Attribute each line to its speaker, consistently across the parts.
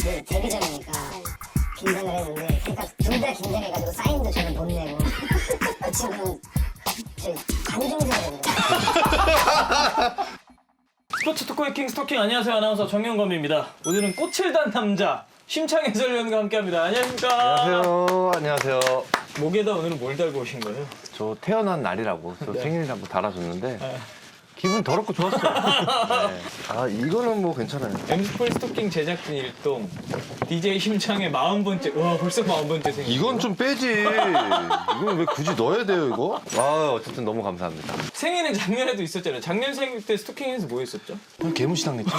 Speaker 1: 그 데뷔전이니까 긴장을 했는데 그러니까 둘 다 긴장해가지고 사인도 저는 못 내고 그 친구는 저희 관중석이거든요.
Speaker 2: 스포츠 토크의 킹 스토킹 안녕하세요. 아나운서 정영검입니다. 오늘은 꽃을 단 남자 심창 해설위원과 함께합니다. 안녕하십니까?
Speaker 3: 안녕하세요. 안녕하세요.
Speaker 2: 목에다 오늘은 뭘 달고 오신 거예요?
Speaker 3: 저 태어난 날이라고 저
Speaker 2: 네.
Speaker 3: 생일이라고 달아줬는데
Speaker 2: 네.
Speaker 3: 기분 더럽고 좋았어요. 네. 아 이거는 뭐 괜찮아요.
Speaker 2: 엠스폴 스토킹 제작진 일동 DJ 심창의 40번째 와 벌써 40번째 생일.
Speaker 3: 이건 좀 빼지. 이건 왜 굳이 넣어야 돼요 이거? 아 어쨌든 너무 감사합니다.
Speaker 2: 생일은 작년에도 있었잖아요. 작년 생일 때 스토킹에서 뭐 했었죠?
Speaker 3: 개무시당 냈죠.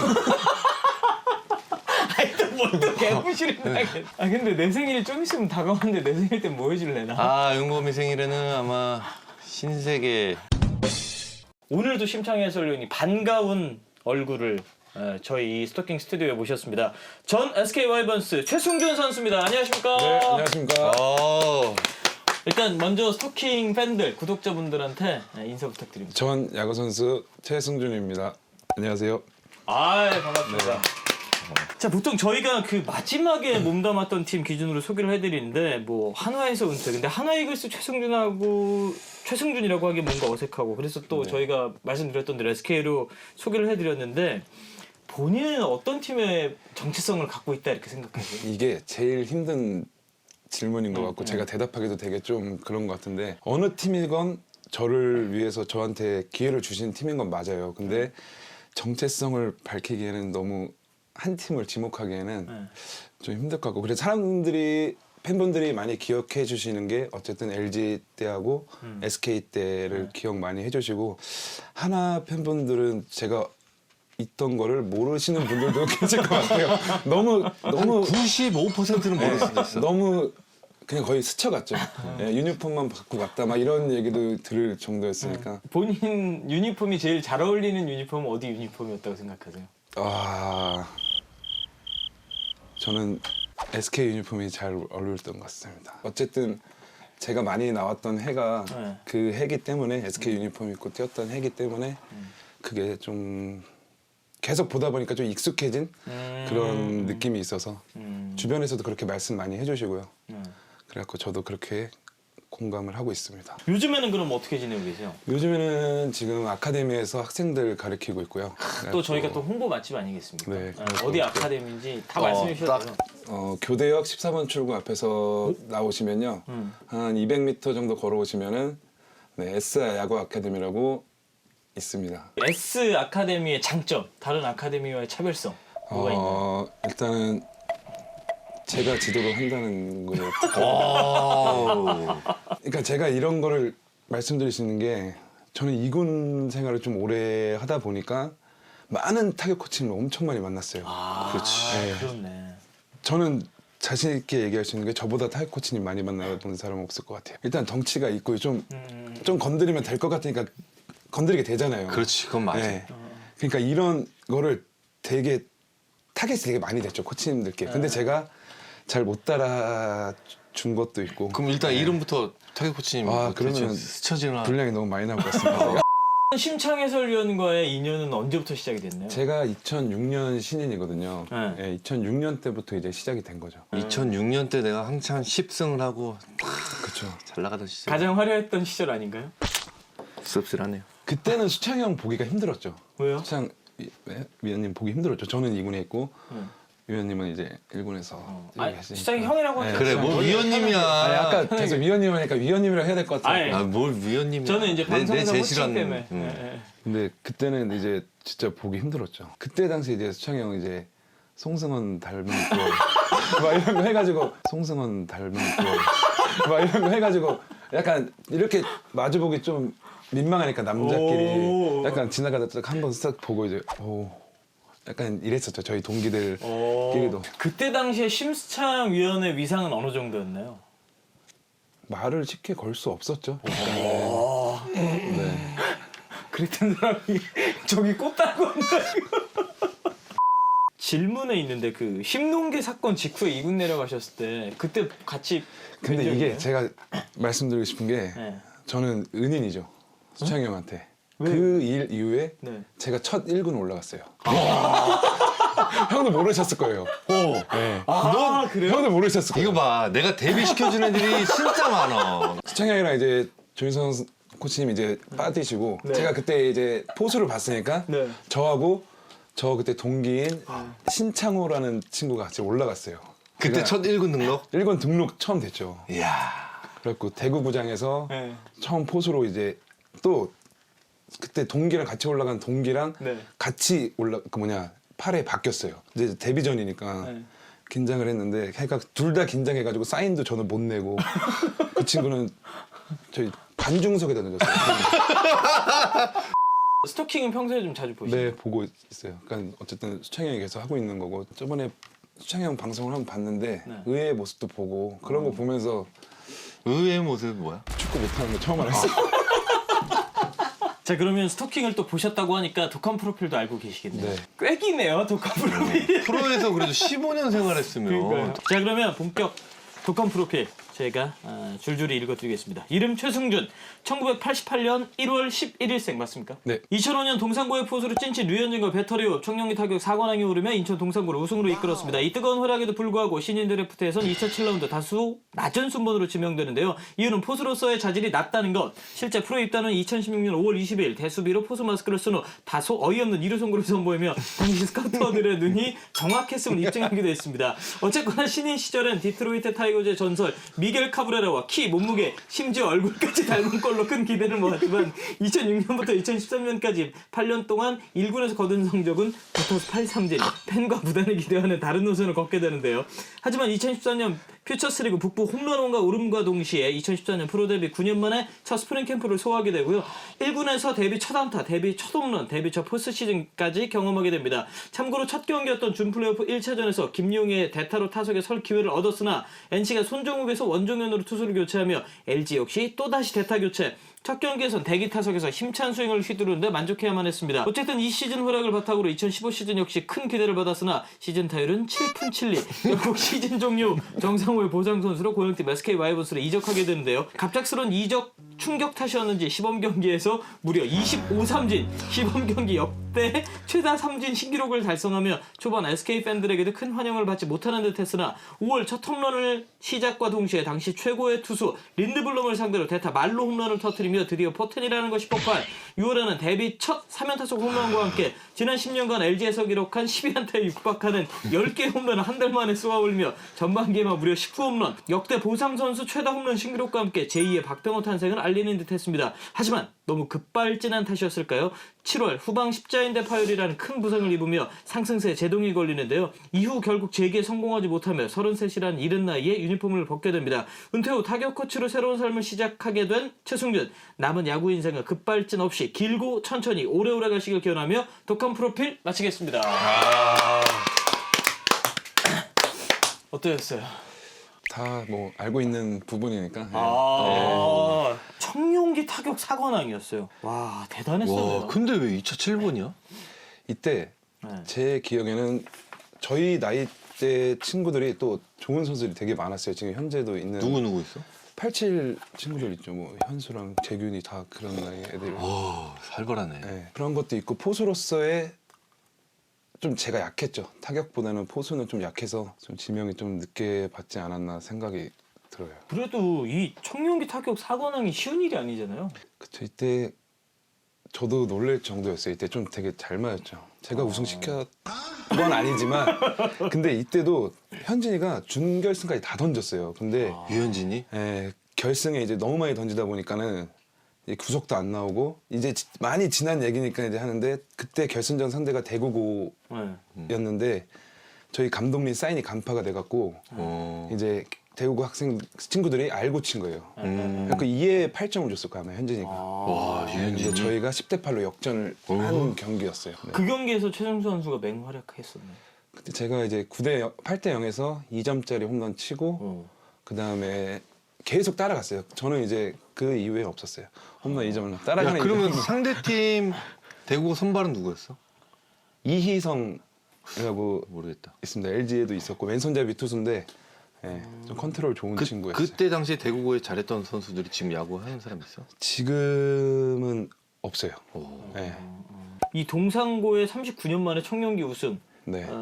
Speaker 2: 아니 또뭘또 개무시를 하겠. 아 근데 내 생일이 좀 있으면 다가오는데 내 생일 때 뭐 해줄래나?
Speaker 3: 아 윤범이 생일에는 아마 신세계.
Speaker 2: 오늘도 심창 해설위원이 반가운 얼굴을 저희 이 스토킹 스튜디오에 모셨습니다. 전 SK 와이번스 최승준 선수입니다. 안녕하십니까?
Speaker 4: 네, 안녕하십니까.
Speaker 2: 일단 먼저 스토킹 팬들, 구독자분들한테 인사 부탁드립니다.
Speaker 4: 전 야구 선수 최승준입니다. 안녕하세요.
Speaker 2: 아, 반갑습니다. 자, 보통 저희가 그 마지막에 몸담았던 팀 기준으로 소개를 해드리는데 뭐 한화에서 은퇴. 근데 한화 이글스 최승준이라고 하기 뭔가 어색하고 그래서 또 저희가 말씀드렸던 대로 SK로 소개를 해드렸는데 본인은 어떤 팀의 정체성을 갖고 있다 이렇게 생각하세요?
Speaker 4: 이게 제일 힘든 질문인 것 같고 제가 대답하기도 되게 좀 그런 것 같은데 어느 팀이건 저를 위해서 저한테 기회를 주신 팀인 건 맞아요. 근데 정체성을 밝히기에는 너무 한 팀을 지목하기에는 좀 힘들 것 같고 그래서 팬분들이 많이 기억해 주시는 게 어쨌든 LG 때하고 SK 때를 기억 많이 해주시고 하나 팬분들은 제가 있던 거를 모르시는 분들도 계실 것 같아요. 너무
Speaker 3: 95%는 모를 수도 있어.
Speaker 4: 너무 그냥 거의 스쳐갔죠. 예, 유니폼만 받고 갔다 막 이런 얘기도 들을 정도였으니까.
Speaker 2: 본인 유니폼이 제일 잘 어울리는 유니폼은 어디 유니폼이었다고 생각하세요?
Speaker 4: 저는 SK 유니폼이 잘 어울렸던 것 같습니다. 어쨌든 제가 많이 나왔던 해가 그 해기 때문에 SK 유니폼 입고 뛰었던 해기 때문에 그게 좀 계속 보다 보니까 좀 익숙해진 그런 느낌이 있어서 주변에서도 그렇게 말씀 많이 해주시고요. 그래갖고 저도 그렇게 공감을 하고 있습니다.
Speaker 2: 요즘에는 그럼 어떻게 지내고 계세요?
Speaker 4: 요즘에는 지금 아카데미에서 학생들 가르치고 있고요.
Speaker 2: 또 저희가 또 홍보 맛집 아니겠습니까?
Speaker 4: 네,
Speaker 2: 어디 아카데미인지 다 말씀해 주셔도 돼요.
Speaker 4: 교대역 14번 출구 앞에서 나오시면요. 한 200m 정도 걸어오시면은 S 야구 아카데미라고 있습니다.
Speaker 2: S 아카데미의 장점, 다른 아카데미와의 차별성 뭐가 있나요?
Speaker 4: 일단은 제가 지도를 한다는 거예요. 그러니까 제가 이런 거를 말씀드릴 수 있는 게 저는 이군 생활을 좀 오래 하다 보니까 많은 타격 코치를 엄청 많이 만났어요.
Speaker 3: 그렇지.
Speaker 4: 네.
Speaker 2: 그렇네.
Speaker 4: 저는 자신 있게 얘기할 수 있는 게 저보다 타격 코치님 많이 만나본 사람은 없을 것 같아요. 일단 덩치가 있고 좀 건드리면 될 것 같으니까 건드리게 되잖아요.
Speaker 3: 그렇지 그건 맞아.
Speaker 4: 네. 그러니까 이런 거를 되게 타겟이 되게 많이 됐죠 코치님들께. 근데 제가 잘 못 따라준 것도 있고.
Speaker 3: 그럼 일단 이름부터 타격 코치님
Speaker 4: 그러면
Speaker 3: 스쳐지나.
Speaker 4: 분량이 너무 많이 나올 것 같습니다.
Speaker 2: 심창 해설위원과의 인연은 언제부터 시작이 됐나요?
Speaker 4: 제가 2006년 신인이거든요.
Speaker 2: 네.
Speaker 4: 네, 2006년 때부터 이제 시작이 된 거죠.
Speaker 3: 2006년 때 내가 한창 10승을 하고
Speaker 4: 그렇죠.
Speaker 3: 잘 나가던 시절.
Speaker 2: 가장 화려했던 시절 아닌가요?
Speaker 3: 씁쓸하네요.
Speaker 4: 그때는 수창이 형 보기가 힘들었죠.
Speaker 2: 왜요?
Speaker 4: 수창 위원님 보기 힘들었죠. 저는 2군에 있고 위원님은 이제 1군에서
Speaker 2: 아니, 수창이 형이라고 하죠.
Speaker 3: 그래 뭐 위원님이야.
Speaker 4: 아까 계속 위원님 하니까 위원님이라 해야 될 것 같아요.
Speaker 2: 아니,
Speaker 3: 뭘 위원님이야.
Speaker 2: 저는 이제 방송사 호칭
Speaker 3: 제시라는,
Speaker 2: 때문에. 네.
Speaker 4: 근데 그때는 이제 진짜 보기 힘들었죠. 그때 당시 이제 수창이 형 이제 송승헌 닮은 꼴 막 이런 거 해가지고 송승헌 닮은 꼴 막 이런 거 해가지고 약간 이렇게 마주보기 좀 민망하니까 남자끼리 약간 지나가다 딱 한 번 싹 보고 이제 약간 이랬었죠. 저희 동기들끼리도.
Speaker 2: 그때 당시에 심수창 위원의 위상은 어느 정도였나요?
Speaker 4: 말을 쉽게 걸 수 없었죠.
Speaker 2: 그랬던 사람이 저기 꽃다고 한다고. 질문에 있는데 그 신농계 사건 직후에 2군 내려가셨을 때 그때 같이
Speaker 4: 근데
Speaker 2: 뵌 적이
Speaker 4: 이게
Speaker 2: 있나요?
Speaker 4: 제가 말씀드리고 싶은 게
Speaker 2: 네.
Speaker 4: 저는 은인이죠. 수창이 형한테. 그 일 이후에
Speaker 2: 네.
Speaker 4: 제가 첫 1군 올라갔어요. 형도 모르셨을 거예요. 네.
Speaker 2: 그래요?
Speaker 4: 형들 모르셨을 거예요.
Speaker 3: 이거 봐, 내가 데뷔시켜주는 애들이 진짜 많아.
Speaker 4: 수창이 형이랑 이제 조인성 코치님 이제 빠지시고
Speaker 2: 네.
Speaker 4: 제가 그때 이제 포수를 봤으니까
Speaker 2: 네.
Speaker 4: 저하고 저 그때 동기인 신창호라는 친구가 같이 올라갔어요.
Speaker 3: 그때
Speaker 4: 제가
Speaker 3: 첫 1군 등록?
Speaker 4: 1군 등록 처음 됐죠.
Speaker 3: 이야.
Speaker 4: 그래갖고 대구구장에서
Speaker 2: 네.
Speaker 4: 처음 포수로 이제 또 그때 동기랑 같이 올라간 동기랑
Speaker 2: 네.
Speaker 4: 같이 그 8회 바뀌었어요. 이제 데뷔전이니까
Speaker 2: 네.
Speaker 4: 긴장을 했는데 걔가 둘 다 긴장해가지고 사인도 저는 못 내고 그 친구는 저희 관중석에다 던졌어요.
Speaker 2: 스토킹은 평소에 좀 자주 보시나요?
Speaker 4: 네, 보고 있어요. 그러니까 어쨌든 수창이 형이 계속 하고 있는 거고 저번에 수창이 형 방송을 한번 봤는데
Speaker 2: 네.
Speaker 4: 의외의 모습도 보고 그런 거 보면서
Speaker 3: 의외의 모습이 뭐야?
Speaker 4: 축구 못하는 거 처음 알았어요.
Speaker 2: 자, 그러면 스토킹을 또 보셨다고 하니까 독한 프로필도 알고 계시겠네요.
Speaker 4: 네.
Speaker 2: 꽤 기네요, 독한 프로필.
Speaker 3: 프로에서 그래도 15년 생활했으면.
Speaker 2: 자, 그러면 본격 독한 프로필 제가 줄줄이 읽어드리겠습니다. 이름 최승준, 1988년 1월 11일생 맞습니까?
Speaker 4: 네.
Speaker 2: 2005년 동산고의 포수로 찐친 류현진과 배터리호 청룡리 타격 4관왕에 오르며 인천 동산고를 우승으로 이끌었습니다. 이 뜨거운 활약에도 불구하고 신인 드래프트에선 2007라운드 다수 낮은 순번으로 지명되는데요. 이유는 포수로서의 자질이 낮다는 것. 실제 프로 입단은 2016년 5월 20일 대수비로 포수 마스크를 쓴 후 다소 어이없는 2루 송구를 선보이며 당시 스카우터들의 눈이 정확했음을 입증하기도 했습니다. 어쨌거나 신인 시절엔 디트로이트 타이거즈의 전설 미겔 카브레라와 키, 몸무게, 심지어 얼굴까지 닮은 걸로 큰 기대를 모았지만 2006년부터 2013년까지 8년 동안 1군에서 거둔 성적은 붙어서 8삼진, 팬과 구단을 기대하는 다른 노선을 걷게 되는데요. 하지만 2014년 퓨처스리그 북부 홈런왕과 오름과 동시에 2014년 프로 데뷔 9년 만에 첫 스프링 캠프를 소화하게 되고요. 1군에서 데뷔 첫 안타, 데뷔 첫 홈런, 데뷔 첫 포스트 시즌까지 경험하게 됩니다. 참고로 첫 경기였던 준 플레이오프 1차전에서 김용희의 대타로 타석에 설 기회를 얻었으나 NC가 손정욱에서 원종현으로 투수를 교체하며 LG 역시 또다시 대타 교체. 첫 경기에선 대기 타석에서 힘찬 스윙을 휘두르는데 만족해야만 했습니다. 어쨌든 이 시즌 활약을 바탕으로 2015 시즌 역시 큰 기대를 받았으나 시즌 타율은 7푼 7리. 결국 시즌 종료 정상호의 보상 선수로 고영팀 SK 와이번스로 이적하게 되는데요. 갑작스러운 이적 충격 탓이었는지 시범 경기에서 무려 25삼진, 시범 경기 역대 최다 삼진 신기록을 달성하며 초반 SK 팬들에게도 큰 환영을 받지 못하는 듯했으나 5월 첫 홈런을 시작과 동시에 당시 최고의 투수 린드블럼을 상대로 대타 말로 홈런을 터뜨리며 드디어 포텐이라는 것이 폭발. 6월에는 데뷔 첫 3연타석 홈런과 함께 지난 10년간 LG에서 기록한 12안타에 육박하는 10개 홈런을 한 달 만에 쏘아올리며 전반기에만 무려 19홈런, 역대 보상 선수 최다 홈런 신기록과 함께 제2의 박병호 탄생을 알리는 듯했습니다. 하지만 너무 급발진한 탓이었을까요? 7월 후방 십자인대 파열이라는 큰 부상을 입으며 상승세에 제동이 걸리는데요. 이후 결국 재기에 성공하지 못하며 33이라는 이른 나이에 유니폼을 벗게 됩니다. 은퇴 후 타격 코치로 새로운 삶을 시작하게 된 최승준. 남은 야구 인생은 급발진 없이 길고 천천히 오래오래 가시길 기원하며 독한 프로필 마치겠습니다. 어떠셨어요?
Speaker 4: 다 뭐 알고 있는 부분이니까.
Speaker 2: 청룡기 타격 4관왕이었어요. 와, 대단했어요.
Speaker 3: 와, 근데 왜 2차 7번이야?
Speaker 4: 이때
Speaker 2: 네.
Speaker 4: 제 기억에는 저희 나이 때 친구들이 또 좋은 선수들이 되게 많았어요. 지금 현재도 있는
Speaker 3: 누구 있어?
Speaker 4: 87 친구들 있죠. 뭐 현수랑 재균이 다 그런 나이 애들.
Speaker 3: 오, 살벌하네.
Speaker 4: 네, 그런 것도 있고 포수로서의 좀 제가 약했죠. 타격보다는 포수는 좀 약해서 좀 지명이 좀 늦게 받지 않았나 생각이 들어요.
Speaker 2: 그래도 이 청룡기 타격 4관왕이 쉬운 일이 아니잖아요.
Speaker 4: 그쵸, 이때 저도 놀랄 정도였어요. 이때 좀 되게 잘 맞았죠. 제가 우승시켰 건 아니지만 근데 이때도 현진이가 준결승까지 다 던졌어요. 근데
Speaker 3: 유현진이?
Speaker 4: 결승에 이제 너무 많이 던지다 보니까는 이제 구속도 안 나오고 이제 많이 지난 얘기니까 이제 하는데 그때 결승전 상대가 대구고였는데 저희 감독님 사인이 간파가 돼갖고 이제 대구고 학생 친구들이 알고 친 거예요. 그러니까 2에 8점을 줬을 거야 아마 현진이가.
Speaker 3: 와,
Speaker 4: 근데
Speaker 3: 유현진이?
Speaker 4: 저희가 10대 8로 역전을 한 경기였어요. 네.
Speaker 2: 그 경기에서 최정수 선수가 맹활약했었네.
Speaker 4: 그때 제가 이제 8대 0에서 2점짜리 홈런 치고 그 다음에 계속 따라갔어요. 저는 이제 그 이후에 없었어요. 홈런 2점을
Speaker 3: 야,
Speaker 4: 따라가는.
Speaker 3: 그러면 상대팀 대구 선발은 누구였어?
Speaker 4: 이희성이라고
Speaker 3: 모르겠다.
Speaker 4: 있습니다. LG에도 있었고 왼손잡이 투수인데 좀 컨트롤 좋은 친구였어요.
Speaker 3: 그때 당시에 대구고에 잘했던 선수들이 지금 야구하는 사람 있어?
Speaker 4: 지금은 없어요.
Speaker 3: 오.
Speaker 4: 네.
Speaker 2: 이 동상고의 39년 만에 청룡기 우승.
Speaker 4: 네.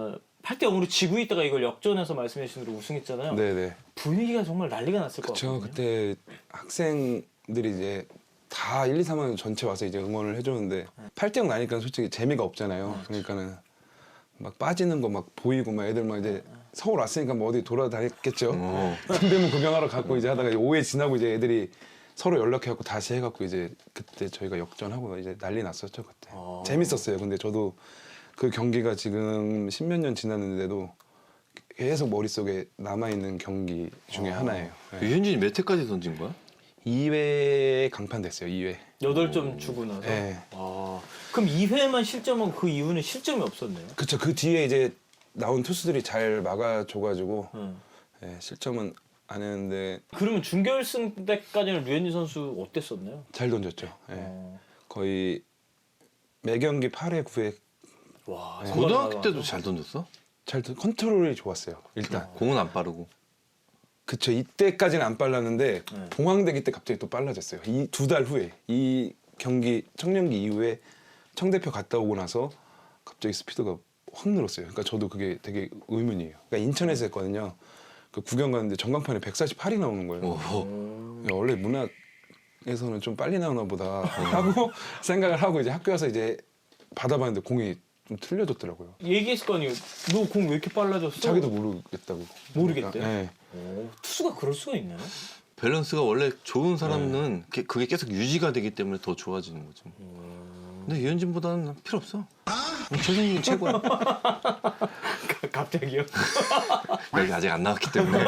Speaker 2: 8대 0으로 지고 있다가 이걸 역전해서 말씀해 주신 대로 우승했잖아요.
Speaker 4: 네네.
Speaker 2: 분위기가 정말 난리가 났을 것
Speaker 4: 그쵸.
Speaker 2: 같거든요.
Speaker 4: 그때 학생들이 이제 다 1, 2, 3학년 전체 와서 이제 응원을 해줬는데 8대 0 나니까 솔직히 재미가 없잖아요. 그러니까는 막 빠지는 거 막 보이고 막 애들 막 이제 서울 왔으니까 뭐 어디 돌아다녔겠죠. 선대문 구경하러 갔고 이제 하다가 오해 지나고 이제 애들이 서로 연락해갖고 다시 해갖고 이제 그때 저희가 역전하고 이제 난리 났었죠 그때. 재밌었어요. 근데 저도 그 경기가 지금 10몇 년 지났는데도 계속 머릿속에 남아있는 경기 중에 하나예요. 네.
Speaker 3: 유현진이 몇 회까지 던진 거야?
Speaker 4: 2회 강판 됐어요. 2회.
Speaker 2: 8점 주고 나서.
Speaker 4: 네.
Speaker 2: 아, 그럼 2회만 실점하고 그 이후는 실점이 없었네요.
Speaker 4: 그쵸. 그 뒤에 이제 나온 투수들이 잘 막아줘가지고 네, 실점은 안 했는데
Speaker 2: 그러면 준결승 때까지는 류현진 선수 어땠었나요?
Speaker 4: 잘 던졌죠. 네.
Speaker 2: 어.
Speaker 4: 거의 매 경기 8회, 9회
Speaker 2: 와,
Speaker 4: 네.
Speaker 3: 고등학교 때도 잘 던졌어?
Speaker 4: 컨트롤이 좋았어요. 일단.
Speaker 3: 공은 안 빠르고.
Speaker 4: 그쵸. 이때까지는 안 빨랐는데
Speaker 2: 네.
Speaker 4: 봉황대기 때 갑자기 또 빨라졌어요. 이 2달 후에 이 경기 청년기 이후에 청대표 갔다 오고 나서 갑자기 스피드가 확 늘었어요. 그러니까 저도 그게 되게 의문이에요. 그러니까 인천에서 했거든요. 그 구경 갔는데 전광판에 148이 나오는 거예요.
Speaker 3: 오호.
Speaker 4: 야, 원래 문학에서는 좀 빨리 나오나 보다 하고 생각을 하고 이제 학교 와서 이제 받아봤는데 공이 좀 틀려졌더라고요.
Speaker 2: 얘기했을 거 아니에요. 너 공 왜 이렇게 빨라졌어?
Speaker 4: 자기도 모르겠다고.
Speaker 2: 모르겠대요?
Speaker 4: 네.
Speaker 2: 오, 투수가 그럴 수가 있나요?
Speaker 3: 밸런스가 원래 좋은 사람은 그게 계속 유지가 되기 때문에 더 좋아지는 거죠. 근데 유현진보다는 필요 없어. 최승민이 최고야.
Speaker 2: 갑자기요?
Speaker 3: 여기 아직 안 나왔기 때문에.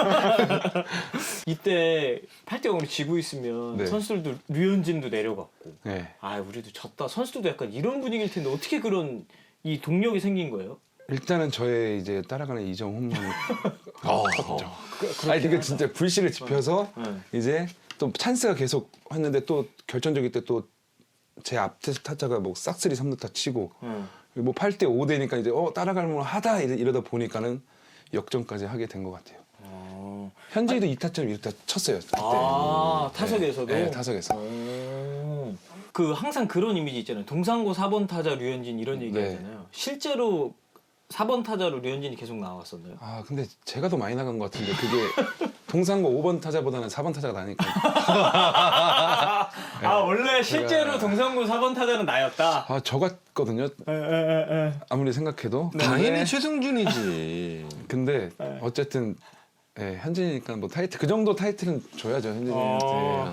Speaker 2: 이때 8대 0으로 지고 있으면
Speaker 4: 네.
Speaker 2: 선수들도 류현진도 내려갔고
Speaker 4: 네.
Speaker 2: 아 우리도 졌다. 선수들도 약간 이런 분위기일 텐데 어떻게 그런 이 동력이 생긴 거예요?
Speaker 4: 일단은 저의 이제 따라가는 이정 홈런
Speaker 3: 컸죠.
Speaker 4: 아니 그게 진짜 불씨를 지펴서
Speaker 2: 네.
Speaker 4: 이제 또 찬스가 계속 왔는데 또 결정적일 때 또 제 앞 타자가 뭐 싹쓸이 3루타 치고 뭐 8대 5 되니까 이제 따라갈 만 하다 이러다 보니까는 역전까지 하게 된 것 같아요. 현재도 2타점 1루타 쳤어요. 그때.
Speaker 2: 아 타석에서도?
Speaker 4: 네, 타석에서.
Speaker 2: 그 항상 그런 이미지 있잖아요. 동상고 4번 타자 류현진 이런 얘기
Speaker 4: 네.
Speaker 2: 하잖아요. 실제로 4번 타자로 류현진이 계속 나왔었나요?
Speaker 4: 아 근데 제가 더 많이 나간 것 같은데 그게 동상고 5번 타자보다는 4번 타자가 나니까.
Speaker 2: 아 원래 실제로 동상고 4번 타자는 나였다.
Speaker 4: 아 저 같거든요. 아무리 생각해도.
Speaker 3: 당연히 최승준이지.
Speaker 4: 근데 어쨌든 예, 현진이니까 뭐 타이틀 그 정도 타이틀은 줘야죠 현진이한테.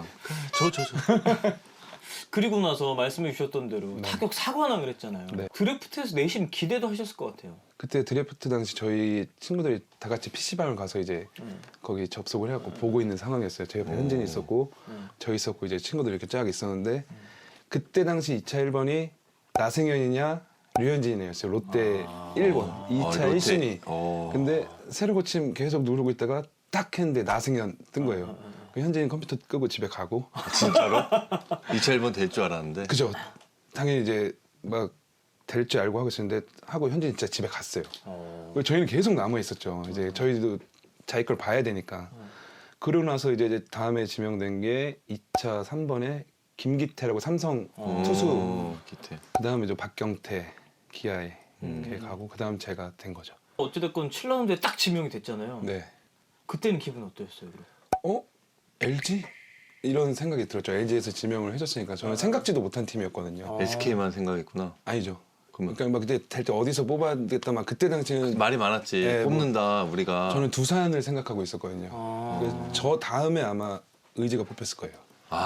Speaker 3: 저.
Speaker 2: 그리고 나서 말씀해 주셨던 대로 타격 4관왕을 했잖아요.
Speaker 4: 네.
Speaker 2: 드래프트에서 내심 기대도 하셨을 것 같아요.
Speaker 4: 그때 드래프트 당시 저희 친구들이 다 같이 PC방을 가서 이제 거기 접속을 해갖고 보고 있는 상황이었어요. 제 옆에 현진이 있었고 저 있었고 이제 친구들이 이렇게 쫙 있었는데 그때 당시 2차 1번이 나승현이냐 류현진이었어요. 롯데 1번 2차
Speaker 3: 롯데.
Speaker 4: 1순위. 근데 새로 고침 계속 누르고 있다가 딱 했는데 나승현 뜬 거예요. 현진이 컴퓨터 끄고 집에 가고.
Speaker 3: 진짜로? 2차 1번 될 줄 알았는데.
Speaker 4: 그죠. 당연히 이제 막 될 줄 알고 하고 있었는데 하고 현진이 진짜 집에 갔어요. 저희는 계속 남아 있었죠. 이제 저희도 자기 걸 봐야 되니까. 그러고 나서 이제 다음에 지명된 게 2차 3번에 김기태라고 삼성 투수.
Speaker 3: 기태.
Speaker 4: 그다음에 이제 박경태 기아에 이렇게 가고 그다음 제가 된 거죠.
Speaker 2: 어찌됐건 7라운드에 딱 지명이 됐잖아요.
Speaker 4: 네.
Speaker 2: 그때는 기분 어떠셨어요? 그럼?
Speaker 4: LG? 이런 생각이 들었죠. LG에서 지명을 해줬으니까 저는 생각지도 못한 팀이었거든요.
Speaker 3: SK만 생각했구나.
Speaker 4: 아니죠.
Speaker 3: 그러면
Speaker 4: 그러니까 막 그때 될 때 어디서 뽑아야겠다 막 그때 당시에는
Speaker 3: 말이 많았지.
Speaker 4: 네,
Speaker 3: 뽑는다 우리가.
Speaker 4: 저는 두산을 생각하고 있었거든요. 그래서 저 다음에 아마 의지가 뽑혔을 거예요.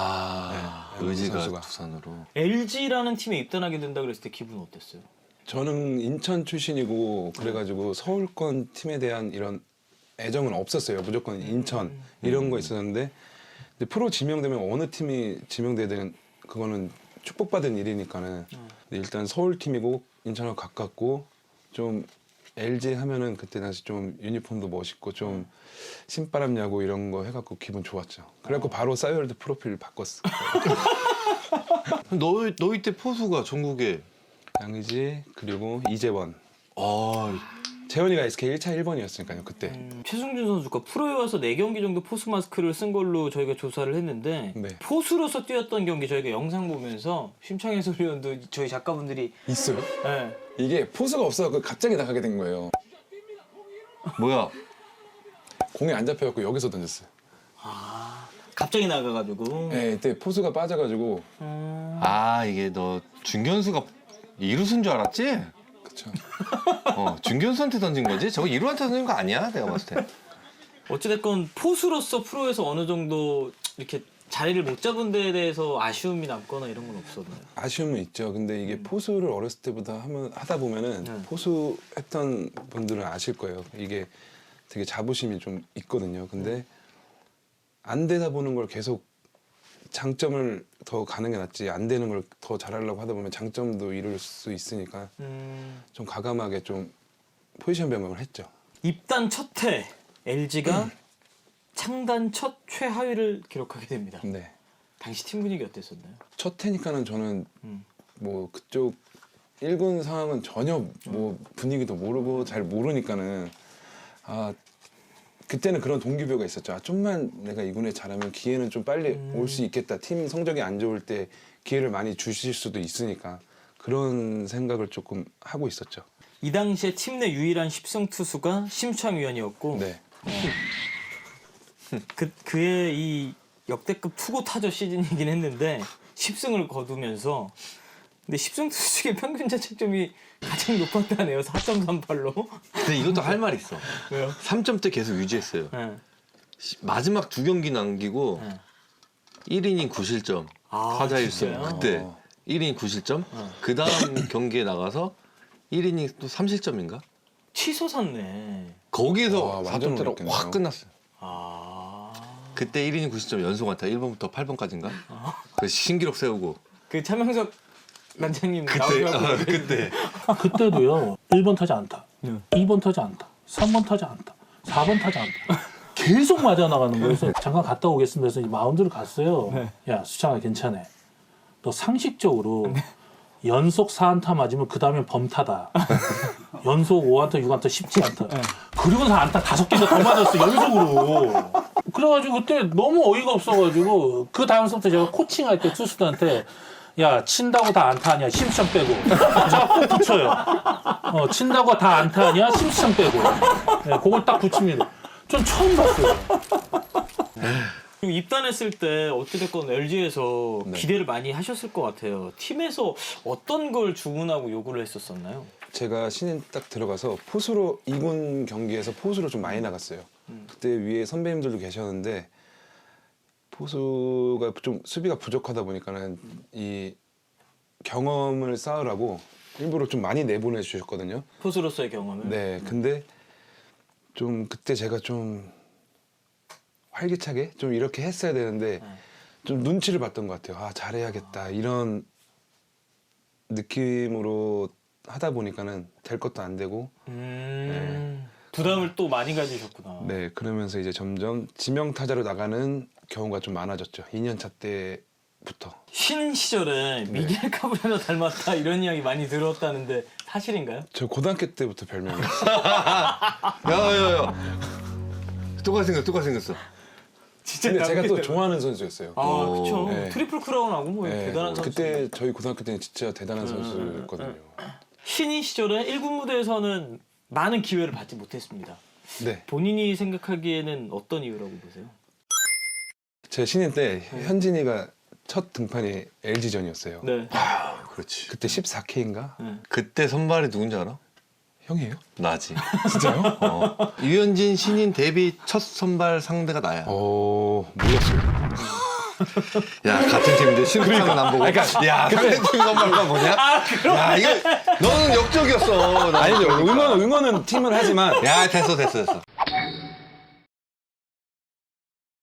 Speaker 4: 네,
Speaker 3: 의지가
Speaker 4: 선수가.
Speaker 3: 두산으로.
Speaker 2: LG라는 팀에 입단하게 된다 그랬을 때 기분 어땠어요?
Speaker 4: 저는 인천 출신이고 그래가지고 서울권 팀에 대한 이런 애정은 없었어요. 무조건 인천 이런 거 있었는데 근데 프로 지명되면 어느 팀이 지명돼야 되는 그거는 축복받은 일이니까는 근데 일단 서울 팀이고 인천하고 가깝고 좀 LG 하면은 그때 당시 좀 유니폼도 멋있고 좀 신바람 야구 이런 거 해갖고 기분 좋았죠. 그래갖고 바로 싸이월드 프로필 바꿨어.
Speaker 3: 너 이때 포수가 전국에.
Speaker 4: 양의지 그리고 이재원.
Speaker 3: 아,
Speaker 4: 재원이가 SK 1차 1번이었으니까요 그때.
Speaker 2: 최승준 선수가 프로에 와서 4경기 정도 포수 마스크를 쓴 걸로 저희가 조사를 했는데
Speaker 4: 네.
Speaker 2: 포수로서 뛰었던 경기 저희가 영상 보면서 심창희 해설위원도 저희 작가분들이
Speaker 4: 있어요?
Speaker 2: 네.
Speaker 4: 이게 포수가 없어서 갑자기 나가게 된 거예요.
Speaker 3: 뭐야?
Speaker 4: 공이 안 잡혀갖고 여기서 던졌어요.
Speaker 2: 갑자기 나가가지고.
Speaker 4: 네, 이때 포수가 빠져가지고.
Speaker 3: 아 이게 너 중견수가 이루수인 줄 알았지?
Speaker 4: 그쵸.
Speaker 3: 중견수한테 던진 거지? 저거 이루한테 던진 거 아니야? 내가 봤을 때.
Speaker 2: 어찌됐건 포수로서 프로에서 어느 정도 이렇게 자리를 못 잡은 데에 대해서 아쉬움이 남거나 이런 건 없었나요?
Speaker 4: 아쉬움은 있죠. 근데 이게 포수를 어렸을 때부터 하다 보면은
Speaker 2: 네.
Speaker 4: 포수 했던 분들은 아실 거예요. 이게 되게 자부심이 좀 있거든요. 근데 안 되다 보는 걸 계속 장점을 더 가는 게 낫지 안 되는 걸 더 잘하려고 하다 보면 장점도 이룰 수 있으니까 좀 과감하게 좀 포지션 변경을 했죠.
Speaker 2: 입단 첫 해 LG가 창단 첫 최하위를 기록하게 됩니다.
Speaker 4: 네.
Speaker 2: 당시 팀 분위기 어땠었나요?
Speaker 4: 첫 해니까는 저는
Speaker 2: 음.
Speaker 4: 뭐 그쪽 1군 상황은 전혀 뭐 분위기도 모르고 잘 모르니까는 그때는 그런 동기부여가 있었죠. 좀만 내가 2군에 잘하면 기회는 좀 빨리 올 수 있겠다. 팀 성적이 안 좋을 때 기회를 많이 주실 수도 있으니까 그런 생각을 조금 하고 있었죠.
Speaker 2: 이 당시에 팀 내 유일한 10승 투수가 심창위원이었고
Speaker 4: 네.
Speaker 2: 그의 이 역대급 투고 타저 시즌이긴 했는데 10승을 거두면서 근데 10승 투수 중에 평균 자책점이 가장 높았다네요. 4.38로.
Speaker 3: 근데 이것도 할 말 있어.
Speaker 2: 왜요?
Speaker 3: 3점대 계속 유지했어요.
Speaker 2: 네.
Speaker 3: 마지막 2경기 남기고
Speaker 2: 네.
Speaker 3: 1이닝 9실점.
Speaker 2: 아,
Speaker 3: 타자 1승.
Speaker 2: 진짜요?
Speaker 3: 그때 1이닝 9실점. 그 다음 경기에 나가서 1이닝 또 3실점인가?
Speaker 2: 취소 샀네.
Speaker 3: 거기서
Speaker 4: 와, 완전
Speaker 3: 4점대로
Speaker 4: 어렵겠네요.
Speaker 3: 확 끝났어요.
Speaker 2: 아.
Speaker 3: 그때 1이닝 90점 연속 안타 1번부터 8번까지인가? 그 신기록 세우고.
Speaker 2: 그 차명석 단장님
Speaker 3: 그때
Speaker 2: 나오셔서
Speaker 3: 그때
Speaker 5: 그때도요. 1번 타자 안타, 2번 타자 안타, 3번 타자 안타, 4번 타자 안타. 계속 맞아 나가는 거예요. 그래서 잠깐 갔다 오겠습니다. 그래서 마운드를 갔어요. 야 수창아 괜찮아. 너 상식적으로 연속 4안타 맞으면 그 다음엔 범타다. 연속 5안타, 6안타 쉽지 않다. 그리고서 안타 5개가 더 맞았어 연속으로. 그래가지고 그때 너무 어이가 없어가지고 그 다음부터 제가 코칭할 때 투수들한테 야 친다고 다 안타하냐 심수창 빼고 제가 꼭 붙여요. 친다고 다 안타하냐 심수창 빼고 그걸 딱 붙입니다. 전 처음 봤어요.
Speaker 2: 그리고 입단했을 때 어찌됐건 LG에서
Speaker 4: 네.
Speaker 2: 기대를 많이 하셨을 것 같아요. 팀에서 어떤 걸 주문하고 요구를 했었었나요?
Speaker 4: 제가 신인 딱 들어가서 포수로 2군 경기에서 포수로 좀 많이 나갔어요. 그때 위에 선배님들도 계셨는데 포수가 좀 수비가 부족하다 보니까는 이 경험을 쌓으라고 일부러 좀 많이 내보내 주셨거든요.
Speaker 2: 포수로서의 경험을.
Speaker 4: 네, 근데 좀 그때 제가 좀 활기차게 좀 이렇게 했어야 되는데 좀 눈치를 봤던 것 같아요. 아 잘해야겠다 이런 느낌으로 하다 보니까는 될 것도 안 되고
Speaker 2: 부담을 또 많이 가지셨구나.
Speaker 4: 네 그러면서 이제 점점 지명 타자로 나가는 경우가 좀 많아졌죠. 2년차 때부터.
Speaker 2: 신인 시절에 미겔 카브레라 닮았다 이런 이야기 많이 들었다는데 사실인가요?
Speaker 4: 저 고등학교 때부터 별명이
Speaker 3: 야야야 똑같이 생겼어.
Speaker 2: 진짜
Speaker 4: 근데 제가 또
Speaker 2: 닮았겠다.
Speaker 4: 좋아하는 선수였어요.
Speaker 2: 아 그렇죠.
Speaker 4: 네.
Speaker 2: 트리플 크라운하고 뭐
Speaker 4: 네,
Speaker 2: 대단한 선수.
Speaker 4: 그때 저희 고등학교 때는 진짜 대단한 선수였거든요.
Speaker 2: 신인 시절에 1군 무대에서는 많은 기회를 받지 못했습니다.
Speaker 4: 네,
Speaker 2: 본인이 생각하기에는 어떤 이유라고 보세요?
Speaker 4: 제 신인 때 현진이가 첫 등판이 LG전이었어요.
Speaker 2: 네.
Speaker 3: 그렇지.
Speaker 4: 그때 14K인가?
Speaker 3: 그때 선발이 누군지 알아?
Speaker 4: 형이에요?
Speaker 3: 나지.
Speaker 4: 진짜요?
Speaker 3: 유현진 신인 데뷔 첫 선발 상대가 나야.
Speaker 4: 몰랐어요.
Speaker 3: 야 같은 팀인데 신우창은 안 보고. 야 상대팀 선발가 뭐냐? 야 이거 너는 역적이었어.
Speaker 4: 아니죠. 응원은 팀을 하지만
Speaker 3: 야 됐어.